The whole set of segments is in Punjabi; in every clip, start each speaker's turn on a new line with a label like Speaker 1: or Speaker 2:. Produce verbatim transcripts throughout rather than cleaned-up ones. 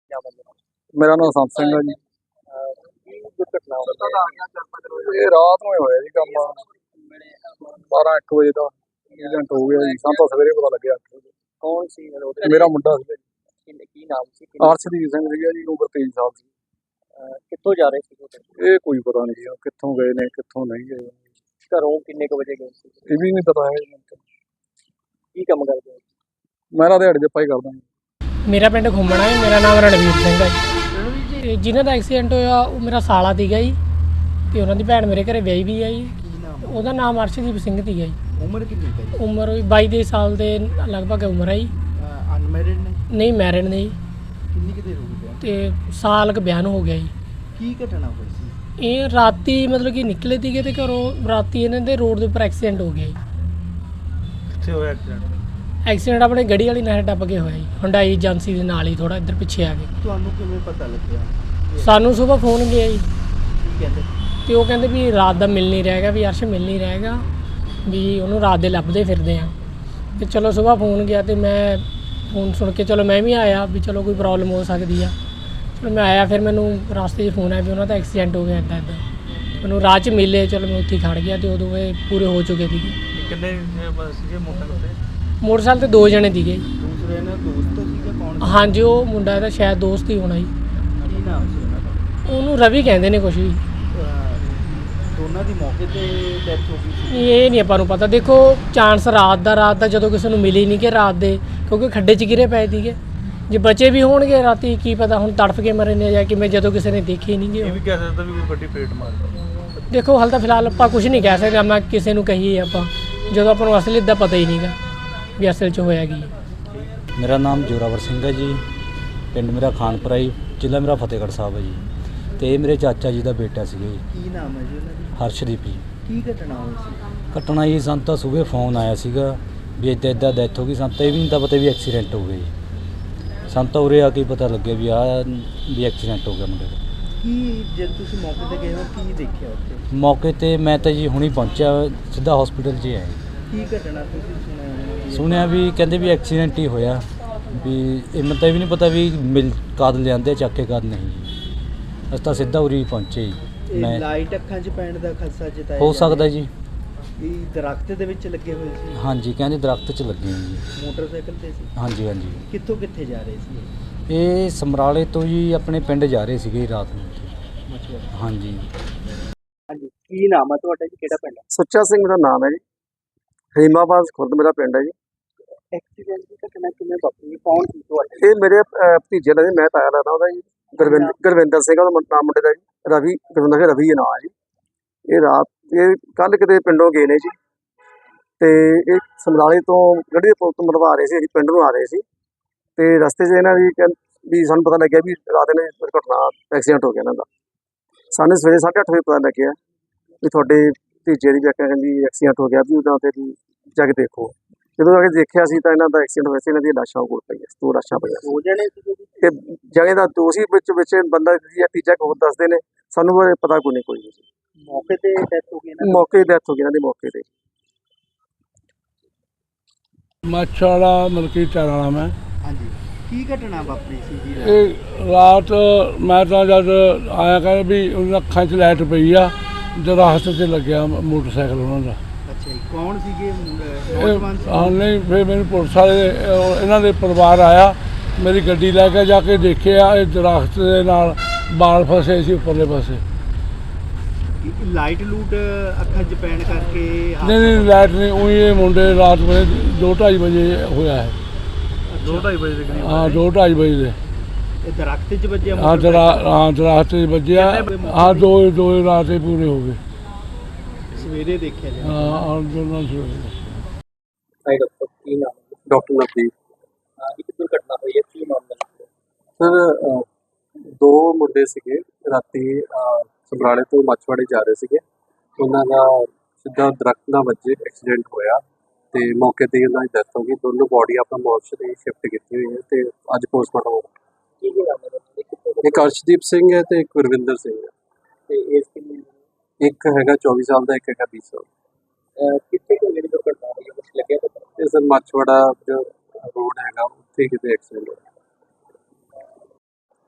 Speaker 1: क्या मतलब
Speaker 2: ਮੇਰਾ ਨਾਮ ਸੰਤ ਸਿੰਘ ਹੈ ਜੀ।
Speaker 1: ਕੀ ਦੁਰਘਟਨਾ ਹੋਈ
Speaker 2: ਇਹ ਰਾਤ ਨੂੰ ਹੀ ਹੋਇਆ ਜੀ ਕੰਮ, ਬਾਰਾਂ ਇੱਕ ਵਜੇ ਦਾ ਐਕਸੀਡੈਂਟ ਹੋ ਗਿਆ ਜੀ। ਸਾਨੂੰ ਤਾਂ ਸਵੇਰੇ ਪਤਾ ਲੱਗਿਆ।
Speaker 1: ਕੌਣ ਸੀ
Speaker 2: ਮੇਰਾ ਮੁੰਡਾ ਸੀ ਜੀ,
Speaker 1: ਕੀ ਨਾਮ ਸੀ ਕਿੰਨੇ-
Speaker 2: ਅਰਸ਼ਦੀਪ ਸਿੰਘ ਸੀਗਾ ਜੀ, ਉਮਰ ਤੇਈ ਸਾਲ ਸੀ।
Speaker 1: ਅਹ ਕਿੱਥੋਂ ਜਾ ਰਹੇ ਸੀ ਤੁਹਾਡੇ
Speaker 2: ਇਹ ਕੋਈ ਪਤਾ ਨਹੀਂ ਜੀ ਕਿੱਥੋਂ ਗਏ ਨੇ ਕਿੱਥੋਂ ਨਹੀਂ ਗਏ,
Speaker 1: ਘਰੋਂ ਕਿੰਨੇ ਕੁ ਵਜੇ ਗਏ ਸੀ
Speaker 2: ਇਹ ਵੀ ਨਹੀਂ ਪਤਾ ਹੈ ਜੀ।
Speaker 1: ਕੀ ਕੰਮ ਕਰਦੇ ਹੋ
Speaker 2: ਮੈਂ ਤਾਂ ਦਿਹਾੜੀ ਦੇ ਪਾਈ ਕਰਦਾ ਜੀ।
Speaker 3: ਮੇਰਾ ਪਿੰਡ ਘੁੰਮਣਾ ਹੈ। ਮੇਰਾ ਨਾਮ ਰਣਵੀਰ ਸਿੰਘ ਹੈ ਜੀ। ਤੇ ਜਿਨ੍ਹਾਂ ਦਾ ਐਕਸੀਡੈਂਟ ਹੋਇਆ ਉਹ ਮੇਰਾ ਸਾਲਾ ਸੀਗਾ ਜੀ, ਤੇ ਉਹਨਾਂ ਦੀ ਭੈਣ ਮੇਰੇ ਘਰੇ ਵਿਆਹੀ ਵੀ ਹੈ ਜੀ। ਉਹਦਾ ਨਾਮ ਅਰਸ਼ਦੀਪ ਸਿੰਘ ਸੀਗਾ ਜੀ।
Speaker 4: ਉਮਰ ਕਿੰਨੀ ਹੈ?
Speaker 3: ਉਮਰ ਵੀ ਬਾਈ ਦੇ ਸਾਲ ਦੇ ਲਗਭਗ ਉਮਰ ਹੈ ਜੀ।
Speaker 4: ਅਨਮੈਰਿਡ ਨੇ?
Speaker 3: ਨਹੀਂ ਮੈਰਿਡ ਨੇ ਜੀ।
Speaker 4: ਕਿੰਨੀ ਕਿਤੇ ਹੋ ਗਈ?
Speaker 3: ਤੇ ਸਾਲ ਕੁ ਬਿਆਨ ਹੋ ਗਿਆ ਜੀ।
Speaker 4: ਕੀ ਘਟਨਾ ਹੋਈ ਸੀ?
Speaker 3: ਇਹ ਰਾਤੀ ਮਤਲਬ ਕਿ ਨਿਕਲੇ ਸੀਗੇ ਤੇ ਘਰੋਂ ਰਾਤੀ ਇਹਨਾਂ ਦੇ ਰੋਡ ਦੇ ਉੱਪਰ ਐਕਸੀਡੈਂਟ ਹੋ ਗਿਆ ਜੀ।
Speaker 4: ਕਿੱਥੇ ਹੋਇਆ ਐਕਸੀਡੈਂਟ?
Speaker 3: ਐਕਸੀਡੈਂਟ ਆਪਣੇ ਗੜੀ ਵਾਲੀ ਨਹਿਰ ਟੱਪ ਕੇ ਹੋਇਆ ਜੀ, ਹੁੰਡਾਈ ਏਜੰਸੀ ਦੇ ਨਾਲ ਹੀ ਥੋੜਾ ਇੱਧਰ ਪਿੱਛੇ ਆ ਕੇ।
Speaker 4: ਤੁਹਾਨੂੰ ਕਿਵੇਂ ਪਤਾ ਲੱਗਿਆ?
Speaker 3: ਸਾਨੂੰ ਸਵੇਰ ਫੋਨ ਗਿਆ ਜੀ,
Speaker 4: ਕੀ ਕਹਿੰਦੇ?
Speaker 3: ਤੇ ਉਹ ਕਹਿੰਦੇ ਵੀ ਰਾਤ ਦਾ ਮਿਲ ਨਹੀਂ ਰਹੇਗਾ, ਵੀ ਅਰਸ਼ ਮਿਲ ਨਹੀਂ ਰਹੇਗਾ, ਵੀ ਉਹਨੂੰ ਰਾਤ ਦੇ ਲੱਭਦੇ ਫਿਰਦੇ ਆ। ਤੇ ਚਲੋ ਸਵੇਰ ਫੋਨ ਗਿਆ ਤੇ ਮੈਂ ਫੋਨ ਸੁਣ ਕੇ ਚਲੋ ਮੈਂ ਵੀ ਆਇਆ ਵੀ ਚਲੋ ਕੋਈ ਪ੍ਰੋਬਲਮ ਹੋ ਸਕਦੀ ਆ। ਚਲੋ ਮੈਂ ਆਇਆ, ਫਿਰ ਮੈਨੂੰ ਰਸਤੇ 'ਚ ਫੋਨ ਆਇਆ ਵੀ ਉਹਨਾਂ ਦਾ ਐਕਸੀਡੈਂਟ ਹੋ ਗਿਆ ਇੱਦਾਂ ਇੱਦਾਂ। ਮੈਨੂੰ ਰਾਹ 'ਚ ਮਿਲੇ, ਚਲੋ ਮੈਂ ਉੱਥੇ ਖੜ ਗਿਆ ਤੇ ਉਦੋਂ ਇਹ ਪੂਰੇ ਹੋ ਚੁੱਕੇ ਸੀਗੇ।
Speaker 4: ਕਿੰਨੇ ਸੀਗੇ ਮੋਟਰਸਾਈਕਲ ਤੇ?
Speaker 3: ਮੋਟਰਸਾਈਕਲ ਤੇ ਦੋ ਜਣੇ ਸੀਗੇ।
Speaker 4: ਦੂਸਰੇ ਨੇ ਦੋਸਤ ਸੀਗਾ? ਕੌਣ?
Speaker 3: ਹਾਂਜੀ, ਉਹ ਮੁੰਡਾ ਇਹਦਾ ਸ਼ਾਇਦ ਦੋਸਤ ਹੀ ਹੋਣਾ ਜੀ।
Speaker 4: ਕੀ ਨਾਮ ਸੀ ਉਹਨਾਂ ਦਾ?
Speaker 3: ਉਹਨੂੰ ਰਵੀ ਕਹਿੰਦੇ ਨੇ ਕੁਛ ਵੀ।
Speaker 4: ਦੋਨਾਂ ਦੀ ਮੌਕੇ ਤੇ ਡੈਥ ਹੋ ਗਈ ਸੀ?
Speaker 3: ਇਹ ਨਹੀਂ ਆਪਾਂ ਨੂੰ ਪਤਾ। ਦੇਖੋ ਚਾਂਸ ਰਾਤ ਦਾ ਰਾਤ ਦਾ ਜਦੋਂ ਕਿਸੇ ਨੂੰ ਮਿਲੀ ਨਹੀਂ ਕਿ ਰਾਤ ਦੇ, ਕਿਉਂਕਿ ਖੱਡੇ 'ਚ ਗਿਰੇ ਪਏ ਸੀਗੇ। ਜੇ ਬਚੇ ਵੀ ਹੋਣਗੇ ਰਾਤੀ ਕੀ ਪਤਾ ਹੁਣ ਤੜਫ ਕੇ ਮਰੇ ਨੇ ਜਾਂ ਕਿਵੇਂ, ਜਦੋਂ ਕਿਸੇ ਨੇ ਦੇਖੇ ਨਹੀਂ ਗੇ।
Speaker 4: ਇਹ ਵੀ ਕਹਿ ਸਕਦਾ ਵੀ ਕੋਈ ਗੱਡੀ ਫੇਟ ਮਾਰ ਗਈ।
Speaker 3: ਦੇਖੋ ਹਾਲ ਤਾਂ ਫਿਲਹਾਲ ਆਪਾਂ ਕੁਝ ਨਹੀਂ ਕਹਿ ਸਕਦੇ, ਮੈਂ ਕਿਸੇ ਨੂੰ ਕਹੀਏ ਆਪਾਂ ਜਦੋਂ ਆਪਾਂ ਨੂੰ ਅਸਲੀ ਦਾ ਪਤਾ ਹੀ ਨਹੀਂਗਾ ਵੀ ਅਸਲ 'ਚ ਹੋਇਆ ਕੀ।
Speaker 5: ਮੇਰਾ ਨਾਮ ਜੋਰਾਵਰ ਸਿੰਘ ਹੈ ਜੀ, ਪਿੰਡ ਮੇਰਾ ਖਾਨਪੁਰਾ ਜੀ, ਜ਼ਿਲ੍ਹਾ ਮੇਰਾ ਫਤਿਹਗੜ੍ਹ ਸਾਹਿਬ ਹੈ ਜੀ। ਤੇ ਇਹ ਮੇਰੇ ਚਾਚਾ ਜੀ ਦਾ ਬੇਟਾ ਸੀਗਾ ਜੀ।
Speaker 4: ਕੀ ਨਾਮ ਹੈ ਜੀ ਉਹਨਾਂ ਦੀ?
Speaker 5: ਹਰਸ਼ਦੀਪ ਜੀ।
Speaker 4: ਕੀ ਘਟਨਾ ਹੋਈ ਸੀ?
Speaker 5: ਘਟਨਾ ਜੀ ਸਾਨੂੰ ਤਾਂ ਸਵੇਰੇ ਫੋਨ ਆਇਆ ਸੀਗਾ ਵੀ ਇੱਦਾਂ ਇੱਦਾਂ ਡੈਥ ਹੋ ਗਈ। ਸਾਨੂੰ ਤਾਂ ਇਹ ਵੀ ਨਹੀਂ ਤਾਂ ਪਤਾ ਵੀ ਐਕਸੀਡੈਂਟ ਹੋ ਗਿਆ ਜੀ। ਸਾਨੂੰ ਤਾਂ ਉਰੇ ਆ ਕੇ ਪਤਾ ਲੱਗਿਆ ਵੀ ਆਹ ਵੀ ਐਕਸੀਡੈਂਟ ਹੋ ਗਿਆ ਮੁੰਡੇ ਦਾ।
Speaker 4: ਕੀ ਜਦ ਤੁਸੀਂ ਮੌਕੇ ਤੇ ਗਏ ਹੋ ਕੀ ਦੇਖਿਆ ਉੱਥੇ?
Speaker 5: ਮੌਕੇ ਤੇ ਮੈਂ ਤਾਂ ਜੀ ਹੁਣੀ ਪਹੁੰਚਿਆ, ਸਿੱਧਾ ਹਸਪੀਟਲ 'ਚ ਆਇਆ ਜੀ।
Speaker 4: ਕੀ ਘਟਨਾ ਤੁਸੀਂ ਸੁਣਿਆ?
Speaker 5: ਸੁਣਿਆ ਵੀ ਕਹਿੰਦੇ ਵੀ ਐਕਸੀਡੈਂਟ ਹੀ ਹੋਇਆ, ਵੀ ਇਹ ਮੈਨੂੰ ਤਾਂ ਇਹ ਵੀ ਨਹੀਂ ਪਤਾ ਵੀ ਮਿਲ ਕਦ ਲਿਆਂਦੇ ਚੱਕ ਕੇ ਕਦ ਨਹੀਂ ਜੀ। ਅਸੀਂ ਤਾਂ ਸਿੱਧਾ ਉਰੀ ਪਹੁੰਚੇ ਜੀ।
Speaker 4: ਇਹ
Speaker 5: ਮੈਂ
Speaker 4: ਲਾਈਟ ਅੱਖਾਂ 'ਚ ਪੈਣ ਦਾ ਖਦਸ਼ਾ ਜਤਾਇਆ
Speaker 5: ਹੋ
Speaker 4: ਜਾ
Speaker 5: ਸਕਦਾ
Speaker 4: ਰਿਹਾ।
Speaker 5: ਜੀ।
Speaker 4: ਇਹ ਦਰਖਤ ਦੇ ਵਿੱਚ ਲੱਗੇ ਹੋਏ ਸੀ?
Speaker 5: ਹਾਂਜੀ, ਕਹਿੰਦੇ ਦਰਖਤ 'ਚ ਲੱਗੇ ਨੇ ਜੀ।
Speaker 4: ਮੋਟਰਸਾਈਕਲ ਤੇ ਸੀ?
Speaker 5: ਹਾਂਜੀ ਹਾਂਜੀ।
Speaker 4: ਕਿੱਥੋਂ ਕਿੱਥੇ ਜਾ ਰਹੇ ਸੀ?
Speaker 5: ਇਹ ਸਮਰਾਲੇ ਤੋਂ ਜੀ ਆਪਣੇ ਪਿੰਡ ਜਾ ਰਹੇ ਸੀਗੇ ਰਾਤ ਨੂੰ।
Speaker 4: ਮਛੁਆਰੇ।
Speaker 5: ਹਾਂਜੀ।
Speaker 1: ਹਾਂਜੀ ਕੀ ਨਾਮ ਹੈ ਤੁਹਾਡਾ ਜੀ, ਕਿਹੜਾ ਪਿੰਡ?
Speaker 2: ਸੁੱਚਾ ਸਿੰਘ ਦਾ ਨਾਮ ਹੈ ਜੀ। ਹਰੀਮਾਬਾਦ ਖੁਰਦ ਮੇਰਾ ਪਿੰਡ ਹੈ ਜੀ।
Speaker 1: ਐਕਸੀਡੈਂਟ ਦੀ ਘਟਨਾ ਕਿਵੇਂ ਵਾਪਰੀ, ਕੌਣ ਸੀ ਤੁਹਾਡੇ?
Speaker 2: ਇਹ ਮੇਰੇ ਅਹ, ਭਤੀਜੇ ਦਾ ਜੀ, ਮੈਂ ਤਾਇਆ ਲੱਗਦਾ ਉਹਦਾ ਜੀ। ਗੁਰਵਿੰਦਰ ਗੁਰਵਿੰਦਰ ਸਿੰਘ ਉਹਦਾ ਨਾਮ ਮੁੰਡੇ ਦਾ ਜੀ। ਰਵੀ ਗੁਰਵਿੰਦਰ ਸਿੰਘ ਰਵੀ ਨਾਮ ਹੈ ਜੀ। ਇਹ ਰਾਤ ਇਹ ਕੱਲ ਕਿਤੇ ਪਿੰਡੋਂ ਗਏ ਨੇ ਜੀ, ਤੇ ਇਹ ਸਮਰਾਲੇ ਤੋਂ ਗੱਡੀ ਦੇ ਪੁਲ ਤੋਂ ਮਰਵਾ ਰਹੇ ਸੀ, ਅਸੀਂ ਪਿੰਡ ਨੂੰ ਆ ਰਹੇ ਸੀ। ਤੇ ਰਸਤੇ 'ਚ ਇਹਨਾਂ ਦੀ ਕਹਿੰ- ਵੀ ਸਾਨੂੰ ਪਤਾ ਲੱਗਿਆ ਵੀ ਰਾਤ ਨੇ ਦੁਰਘਟਨਾ ਐਕਸੀਡੈਂਟ ਹੋ ਗਿਆ ਇਹਨਾਂ ਦਾ। ਸਾਨੂੰ ਸਵੇਰੇ ਸਾਢੇ ਅੱਠ ਵਜੇ ਪਤਾ ਲੱਗਿਆ ਵੀ ਤੁਹਾਡੇ ਭਤੀਜੇ ਦੀ ਵਿਆਖਿਆ ਕਹਿੰਦੀ ਐਕਸੀਡੈਂਟ ਹੋ ਗਿਆ, ਵੀ ਉਹਦਾ ਤੇ ਵੀ ਜਾ ਕੇ ਦੇਖੋ। ਜਦੋਂ ਆ ਕੇ ਦੇਖਿਆ ਸੀ ਤਾਂ ਇਹਨਾਂ ਦਾ ਐਕਸੀਡੈਂਟ ਹੋਇਆ ਸੀ। ਇਹਨਾਂ ਦੀਆਂ ਲਾਸ਼ਾਂ ਕੋਲ ਪਈਆਂ, ਦੋ ਲਾਸ਼ਾਂ ਪਈਆਂ ਸੀ।
Speaker 1: ਦੋ ਜਣੇ ਸੀਗੇ ਜੀ?
Speaker 2: ਤੇ ਜਗ੍ਹਾ ਦਾ ਦੋਸ਼ੀ ਵਿੱਚ ਵਿੱਚ ਬੰਦਾ ਜੀ ਤੀਜਾ ਹੋਰ ਦੱਸਦੇ ਨੇ, ਸਾਨੂੰ ਬਾਰੇ ਪਤਾ ਕੋਈ ਨਹੀਂ ਕੋਈ ਨਹੀਂ।
Speaker 1: ਮੌਕੇ ਤੇ ਡੈਥ ਹੋ ਗਈ ਨਾ?
Speaker 2: ਮੌਕੇ ਤੇ ਡੈਥ ਹੋ ਗਈ ਇਹਨਾਂ ਦੀ ਮੌਕੇ ਤੇ।
Speaker 6: ਮੱਛਵਾੜਾ ਮਲਕੀਤ ਵਾਲਾ ਮੈਂ।
Speaker 4: ਹਾਂਜੀ। ਕੀ ਘਟਨਾ ਵਾਪਰੀ ਸੀ ਜੀ?
Speaker 6: ਇਹ ਰਾਤ ਮੈਂ ਤਾਂ ਜਦ ਆਇਆ ਕਰ ਵੀ ਉਹਨਾਂ ਅੱਖਾਂ 'ਚ ਲਾਈਟ ਪਈ ਆ, ਦਰਖਤ 'ਤੇ ਲੱਗਿਆ ਮੋਟਰਸਾਈਕਲ ਉਹਨਾਂ ਦਾ।
Speaker 4: ਅੱਛਾ ਜੀ। ਕੌਣ ਸੀਗੇ?
Speaker 6: ਇਹ
Speaker 4: ਨੌਜਵਾਨ ਸੀ?
Speaker 6: ਹਾਂ ਨਹੀਂ, ਫਿਰ ਮੈਨੂੰ ਪੁਲਿਸ ਵਾਲੇ ਉਹ ਇਹਨਾਂ ਦੇ ਪਰਿਵਾਰ ਆਇਆ, ਮੇਰੀ ਗੱਡੀ ਲੈ ਕੇ ਜਾ ਕੇ ਦੇਖਿਆ, ਇਹ ਦਰਖਤ ਦੇ ਨਾਲ ਬਾਲ ਫਸੇ ਸੀ ਉੱਪਰਲੇ ਪਾਸੇ।
Speaker 4: ਕੀ ਲਾਈਟ ਲੂਟ ਅੱਖਾਂ 'ਚ ਪੈਣ ਕਰਕੇ
Speaker 6: ਨਹੀਂ ਨਹੀਂ ਲਾਈਟ ਨਹੀਂ, ਉਹੀ ਇਹ ਮੁੰਡੇ ਰਾਤ ਵੇਲੇ ਦੋ ਢਾਈ ਵਜੇ ਹੋਇਆ ਹੈ।
Speaker 4: ਦੋ ਢਾਈ ਵਜੇ ਦੇ ਕਰੀਬ?
Speaker 6: ਹਾਂ, ਦੋ ਢਾਈ ਵਜੇ ਦੇ।
Speaker 4: ਇਹ ਦਰਖਤ 'ਚ ਵੱਜਿਆ?
Speaker 6: ਹਾਂ ਦਰਾ ਹਾਂ ਦਰਖਤ 'ਚ ਵੱਜਿਆ। ਹਾਂ ਦੋ ਦੋ ਰਾਤ ਹੀ ਪੂਰੇ ਹੋ ਗਏ।
Speaker 4: ਸਵੇਰੇ ਦੇਖਿਆ ਜੀ?
Speaker 6: ਹਾਂ ਔਰ ਦੋਨੋਂ ਸਵੇਰੇ।
Speaker 1: ਹਾਈ ਡਾਕਟਰ ਕੀ ਨਾਮ ਹੈ?
Speaker 2: ਡਾਕਟਰ ਨਵਦੀਪ
Speaker 1: ਹਾਂ, ਇੱਕ ਦੁਰਘਟਨਾ ਹੋਈ ਹੈ, ਕੀ ਮਾਮਲਾ?
Speaker 2: ਸਰ, ਦੋ ਮੁੰਡੇ ਸੀਗੇ ਰਾਤੀ ਸਮਰਾਲੇ ਤੋਂ ਮੱਛਵਾੜੇ ਜਾ ਰਹੇ ਸੀਗੇ। ਉਹਨਾਂ ਦਾ ਸਿੱਧਾ ਦਰਖਤ ਨਾਲ ਵੱਜੇ ਐਕਸੀਡੈਂਟ ਹੋਇਆ ਤੇ ਮੌਕੇ ਤੇ ਉਹਨਾਂ ਦੀ ਡੈਥ ਹੋ ਗਈ। ਦੋਨੋਂ ਬੋਡੀ ਆਪਣਾ ਮੋਰਚਰੀ ਸ਼ਿਫਟ ਕੀਤੀ ਹੋਈ ਹੈ ਤੇ ਅੱਜ ਪੋਸਟਮਾਰਟਮ ਹੋਊਗਾ।
Speaker 1: ਕੀ ਕੀ ਨਾਮ ਹੈ ਉਹਨਾਂ ਦਾ? ਕਿੱਥੋਂ ਦੇ?
Speaker 2: ਇੱਕ ਅਰਸ਼ਦੀਪ ਸਿੰਘ ਹੈ ਤੇ ਇੱਕ ਗੁਰਵਿੰਦਰ ਸਿੰਘ ਹੈ।
Speaker 1: ਤੇ ਏਜ ਕਿੰਨੀ ਹੈ?
Speaker 2: ਇੱਕ ਹੈਗਾ ਚੌਵੀ ਸਾਲ ਦਾ, ਇੱਕ ਹੈਗਾ ਵੀਹ ਸਾਲ।
Speaker 1: ਅਹ ਕਿੱਥੇ ਕੁ ਜਿਹੜੀ ਦੁਰਘਟਨਾ ਹੋਈ ਹੈ, ਕੁਛ ਲੱਗਿਆ ਪਤਾ?
Speaker 2: ਇਹ ਸਰ ਮੱਛਵਾੜਾ ਜੋ ਰੋਡ ਹੈਗਾ ਉੱਥੇ ਕਿਤੇ ਐਕਸੀਡੈਂਟ ਹੋਇਆ।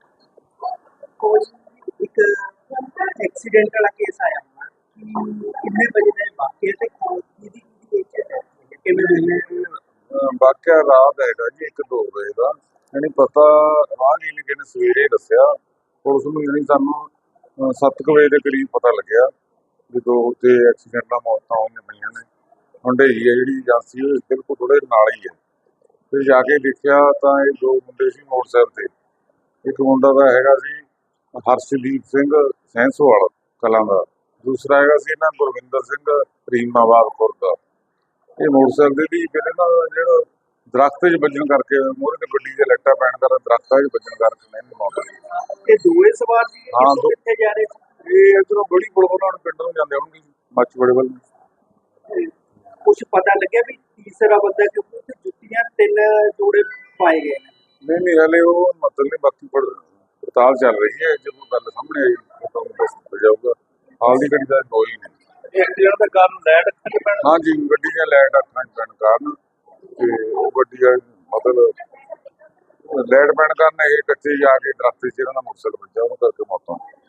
Speaker 1: ਐਕਸੀਡੈਂਟ ਵਾਲਾ ਕੇਸ ਆਇਆ ਹੋਣਾ ਕਿ ਕਿੰਨੇ ਵਜੇ ਦਾ ਇਹ ਵਾਕਿਆ ਤੇ ਕਿਹਦੀ ਕਿਹਦੀ ਏਜ ਹੈ ਕਿਵੇਂ
Speaker 7: ਅਹ ਵਾਕਿਆ ਰਾਤ ਹੈਗਾ ਜੀ ਇੱਕ ਦੋ ਵਜੇ ਦਾ ਯਾਨੀ ਪਤਾ ਰਾਹਗੀਰ ਨੇ ਕਿਨੇ ਸਵੇਰੇ ਦੱਸਿਆ ਪੁਲਿਸ ਨੂੰ ਯਾਨੀ ਸਾਨੂੰ ਅਹ ਸੱਤ ਕੁ ਵਜੇ ਦੇ ਕਰੀਬ ਪਤਾ ਲੱਗਿਆ ਵੀ ਦੋ ਤੇ ਐਕਸੀਡੈਂਟ ਨਾਲ ਮੌਤਾਂ ਹੋਈਆਂ ਪਈਆਂ ਨੇ ਹੁੰਡਈ ਹੈ ਜਿਹੜੀ ਏਜੰਸੀ ਉਹ ਬਿਲਕੁਲ ਥੋੜੇ ਨਾਲ ਹੀ ਹੈ। ਫਿਰ ਜਾ ਕੇ ਦੇਖਿਆ ਤਾਂ ਇਹ ਦੋ ਮੁੰਡੇ ਸੀ ਮੋਟਰਸਾਈਕਲ ਤੇ ਇੱਕ ਮੁੰਡਾ ਦਾ ਹੈਗਾ ਸੀ ਹਰਸ਼ਦੀਪ ਸਿੰਘ ਸੈਂਸੋਵਾਲ ਕਲਾਂ ਦਾ, ਦੂਸਰਾ ਹੈਗਾ ਸੀ ਇਹਨਾਂ ਗੁਰਵਿੰਦਰ ਸਿੰਘ ਰੀਮਾਬਾਦ ਖੁਰਦ ਦਾ। ਇਹ ਮੋਟਰਸਾਈਕਲ ਦੀ ਕਿਤੇ ਨਾ ਜਿਹੜਾ ਦਰਖਤ 'ਚ ਵੱਜਣ ਕਰਕੇ ਮੂਹਰੇ ਤੇ ਗੱਡੀ ਦੇ ਲਾਈਟਾਂ ਪੈਣ ਕਾਰਨ ਦਰਖਤਾਂ 'ਚ ਵੱਜਣ ਕਰਕੇ ਨਹੀਂ ਮੌਤ ਹੋਈ।
Speaker 1: ਇਹ ਦੋਵੇਂ ਸਵਾਰ ਸੀ
Speaker 7: ਹਾਂ, ਦੋ-
Speaker 1: ਕਿੱਥੇ ਜਾ ਰਹੇ ਸੀ?
Speaker 7: ਇਹ ਇੱਧਰੋਂ ਗੜੀ ਪੁਲ ਉਹਨਾਂ ਨੂੰ ਪਿੰਡ ਨੂੰ ਜਾਂਦੇ ਹੋਣਗੇ ਮੱਛਵਾੜੇ ਵੱਲ ਨੂੰ।
Speaker 1: ਕੁਝ ਪਤਾ ਲੱਗਿਆ ਵੀ ਤੀਸਰਾ ਬੰਦਾ ਕਿਉਂਕਿ ਉੱਥੇ ਜੁੱਤੀਆਂ ਤਿੰਨ ਜੋੜੇ ਪਾਏ ਗਏ ਨੇ।
Speaker 7: ਨਹੀਂ ਨਹੀਂ ਹਲੇ ਉਹ ਮਤਲਬ ਨਹੀਂ ਬਾਕੀ ਪੜ ਪੜਤਾਲ ਚੱਲ ਰਹੀ ਹੈ। ਜਦੋਂ ਗੱਲ ਸਾਹਮਣੇ ਆਈ ਤਾਂ ਤੁਹਾਨੂੰ ਦੱਸ ਦਿੱਤਾ ਜਾਊਗਾ। ਹਾਲ ਦੀ ਘੜੀ ਦਾ ਕੋਈ ਨਹੀਂ।
Speaker 1: ਐਕਸੀਡੈਂਟ ਦਾ ਕਾਰਨ ਲਾਈਟ ਅੱਖਾਂ 'ਚ ਪੈਣਾ।
Speaker 7: ਹਾਂਜੀ ਗੱਡੀ ਦੀਆਂ ਲਾਈਟ ਅੱਖਾਂ 'ਚ ਪੈਣ ਕਾਰਨ ਤੇ ਉਹ ਗੱਡੀ ਦਾ ਮਤਲਬ ਲਾਈਟ ਪੈਣ ਕਾਰਨ ਇਹ ਕੱਚੇ ਜਾ ਕੇ ਦਰਖਤ 'ਚ ਇਹਨਾਂ ਦਾ ਮੋਟਰਸਾਈਕਲ ਵੱਜਾ ਉਹਨੂੰ ਕਰਕੇ ਮੌਤ ਹੋ ਗਈ।